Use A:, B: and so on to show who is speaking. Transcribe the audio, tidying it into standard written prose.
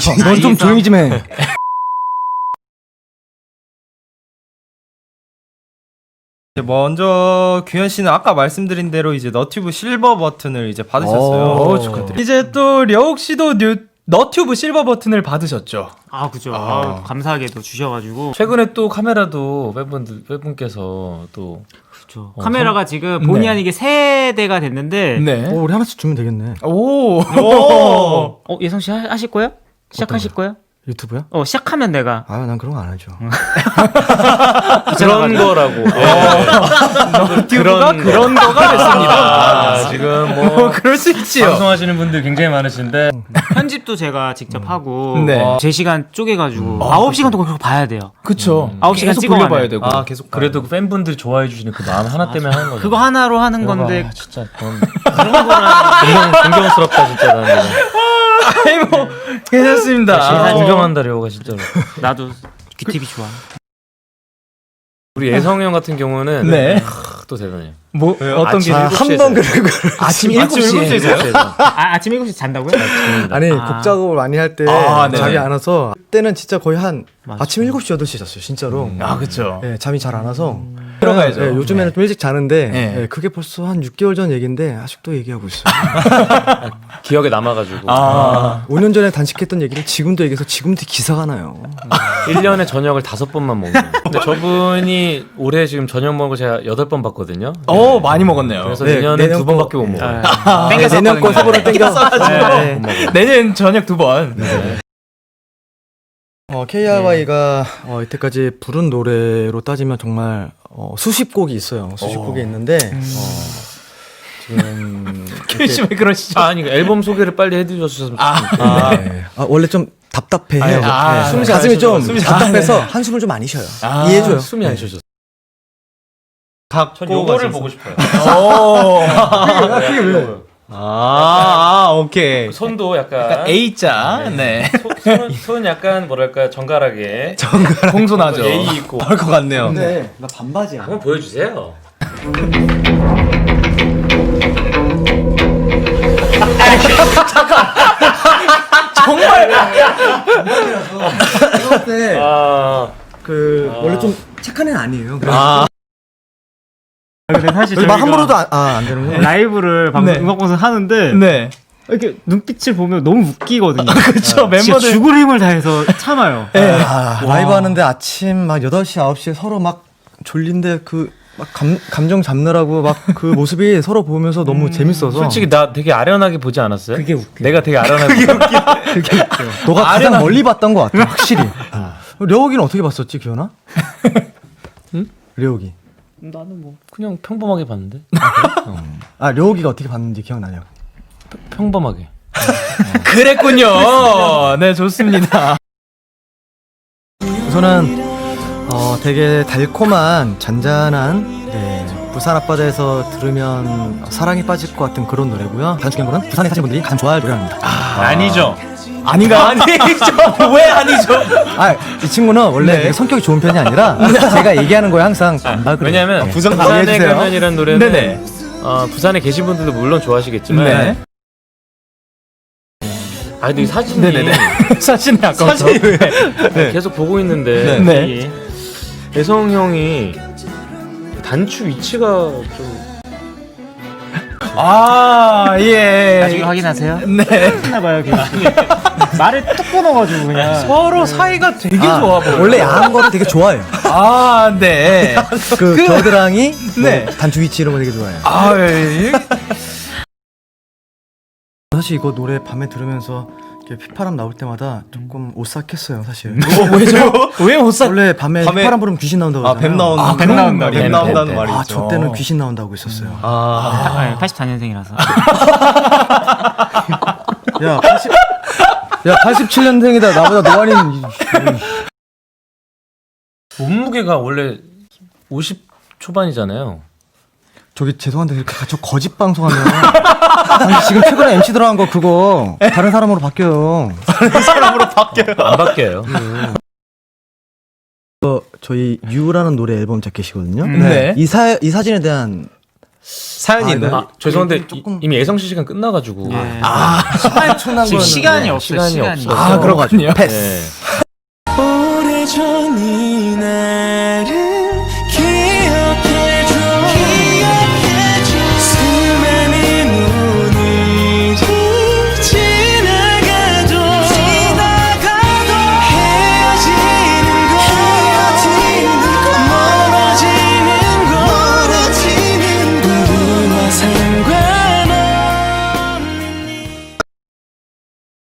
A: 넌 좀 조용히 좀 해.
B: 먼저 규현 씨는 아까 말씀드린 대로 이제 너튜브 실버 버튼을 이제 받으셨어요.
A: 축하드립니다.
B: 이제 또 려욱 씨도 너튜브 실버 버튼을 받으셨죠.
C: 아 그죠. 감사하게도 주셔가지고
D: 최근에 또 카메라도 팬분께서 또
C: 그렇죠. 카메라가 지금 본의
B: 네.
C: 아니게 세 대가 됐는데
B: 네.
A: 우리 하나씩 주면 되겠네.
B: 오.
C: 예성 씨 하실 거예요? 시작하실 거예요?
A: 유튜브야?
C: 시작하면 내가
A: 아, 난 그런 거 안 하죠.
D: 그런 거라고.
B: 너튜브가 그런 거가 됐습니다.
D: 지금 뭐
B: 그럴 수 있지요.
D: 방송하시는 분들 굉장히 많으신데
C: 편집도 제가 직접 하고
B: 네.
C: 제 시간 쪼개가지고 9시간 동안 그거 봐야 돼요.
B: 그쵸.
C: 9시간
B: 계속
C: 찍어가면.
B: 돌려봐야 되고.
D: 계속 그래도 그 팬분들이 좋아해 주시는 그 마음 하나 때문에 하는 거죠.
C: 그거 하나로 하는 건데
D: 진짜 그런 거랑 존경스럽다 진짜 나는.
B: 아이 뭐 괜찮습니다.
D: 진짜 존경한다 려우가 진짜로.
C: 나도 귀TV 좋아.
D: 우리 예성 형 같은 경우는
B: 네.
D: 또 대단해요.
B: 뭐 어떤 게
A: 한번 그리고
B: 아침 7시에
C: 아침 7시 잔다고요?
A: 아니
C: 아.
A: 곡 작업을 많이 할 때
B: 네네.
A: 잠이 안 와서 그때는 진짜 거의 한
C: 맞아.
A: 아침 7시 8시 잤어요 진짜로.
B: 그쵸.
A: 네, 잠이 잘 안 와서
B: 들어가야죠.
A: 네, 요즘에는 좀 일찍 자는데
B: 네.
A: 네, 그게 벌써 한 6개월 전 얘기인데 아직도 얘기하고 있어요.
D: 기억에 남아가지고
A: 5년 전에 단식했던 얘기를 지금도 얘기해서 지금도 기사가 나요.
D: 1년에 저녁을 5번만 먹는. 근데 저분이 올해 지금 저녁 먹은 거 제가 8번 봤거든요.
B: 많이 먹었네요.
D: 그래서
A: 네,
D: 내년에
A: 내년
D: 2번밖에 못 먹어요.
A: 네, 내년 거 세번을 땡겨. 네.
B: 내년 저녁 2번.
A: KRY가 이때까지 부른 노래로 따지면 정말 수십 곡이 있어요. 수십 곡이 있는데 지금
B: 규현 씨 왜 그러시죠?
D: 아니 앨범 소개를 빨리 해주셨으면 좋겠어요.
A: 네. 원래 좀 답답해요.
B: 숨이 잘
A: 가슴이 좀
B: 숨이 잘
A: 답답해서 한숨을 좀 많이 쉬어요. 이해해줘요.
D: 숨이 안 쉬어졌어.
B: 전
D: 요거를 보고 싶어요.
B: 오케이.
D: 손도 약간
B: A자. 네.
D: 손 약간 뭐랄까 정갈하게
B: 공손하죠.
D: 예의 있고.
B: 그럴 것 같네요.
A: 근데 나 반바지야.
D: 한번 보여주세요.
A: 이럴 때 원래 좀 착한 애는 아니에요.
C: 근데 사실
A: 말 함부로도 안 되는구나.
C: 라이브를
B: 네.
C: 음악 방송 하는데
B: 네.
C: 이렇게 눈빛을 보면 너무 웃기거든요.
B: 그쵸.
C: 진짜
B: 멤버들.
C: 죽을 힘을 다해서 참아요.
A: 라이브 하는데 아침 막 8시, 9시에 서로 막 졸린데 막 감정 잡느라고 막 그 모습이 서로 보면서 너무 재밌어서.
D: 솔직히 나 되게 아련하게 보지 않았어요?
C: 그게 웃겨.
D: 내가 되게 아련하게.
A: 너가 가장 멀리 봤던 것 같아, 확실히. 려욱이는 어떻게 봤었지, 기현아? 응? 려욱이.
C: 나는 뭐
D: 그냥 평범하게 봤는데.
A: 려욱이가 어떻게 봤는지 기억나냐고.
D: 평범하게.
B: 그랬군요. 네, 좋습니다.
A: 우선은 되게 달콤한 잔잔한 부산 앞바다에서 들으면 사랑에 빠질 것 같은 그런 노래고요. 다른 중요한 거는 부산에 사시는 분들이 가장 좋아할 노래랍니다.
D: 아니죠.
B: 아닌가? 아니죠. 왜 아니죠?
A: 이 친구는 원래 되게 성격이 좋은 편이 아니라 제가 얘기하는 거에 항상 그래.
D: 왜냐면
A: 부산
D: 부산에
A: 이해해주세요.
D: 가면이라는 노래는
B: 네네.
D: 부산에 계신 분들도 물론 좋아하시겠지만
B: 네.
D: 근데 이 사진이
B: 네네네. 사진이 아까부터.
D: 계속 보고 있는데
B: 네.
D: 예성 형이 단추 위치가 좀
B: 예.
C: 나중에 확인하세요.
B: 네.
C: 했나봐요. 말을 뚝 끊어가지고 그냥.
B: 서로 사이가 되게 좋아 보여요.
A: 원래 야한 거를 되게 좋아해요.
B: 네.
A: 겨드랑이,
B: 네.
A: 단추 위치 이런 거 되게 좋아해요.
B: 예.
A: 사실 이거 노래 밤에 들으면서 이렇게 휘파람 나올 때마다 조금 오싹했어요, 사실.
B: 왜죠? 왜 못 사?
A: 원래 밤에 휘파람 부르면 귀신 나온다고 하잖아요.
B: 뱀 나온다는
C: 뱀 나온다.
B: 뱀 나온다는 말이 있죠.
A: 저 때는 귀신 나온다고 있었어요.
C: 84년생이라서.
A: 야, 87년생이다. 나보다 노안인.
D: 몸무게가 원래 50 초반이잖아요.
A: 저기 죄송한데 저 거짓 방송하면 아니, 지금 최근에 MC 들어간 거 그거 다른 사람으로 바뀌어요.
D: 안 바뀌어요.
A: 저희 유라는 노래 앨범 자켓이거든요.
B: 네.
A: 이 사진에 대한
B: 사연이 있나요?
D: 아, 죄송한데
A: 조금-
D: 이미 예성 씨 시간 끝나가지고.
A: 엄청난
C: 지금 시간이 없어요.
D: 시간이
C: 시간이.
D: 없어서.
A: 아, 그런 거 같죠.
B: 그렇군요.
A: 패스.
D: 네.
E: 오래전 이 날을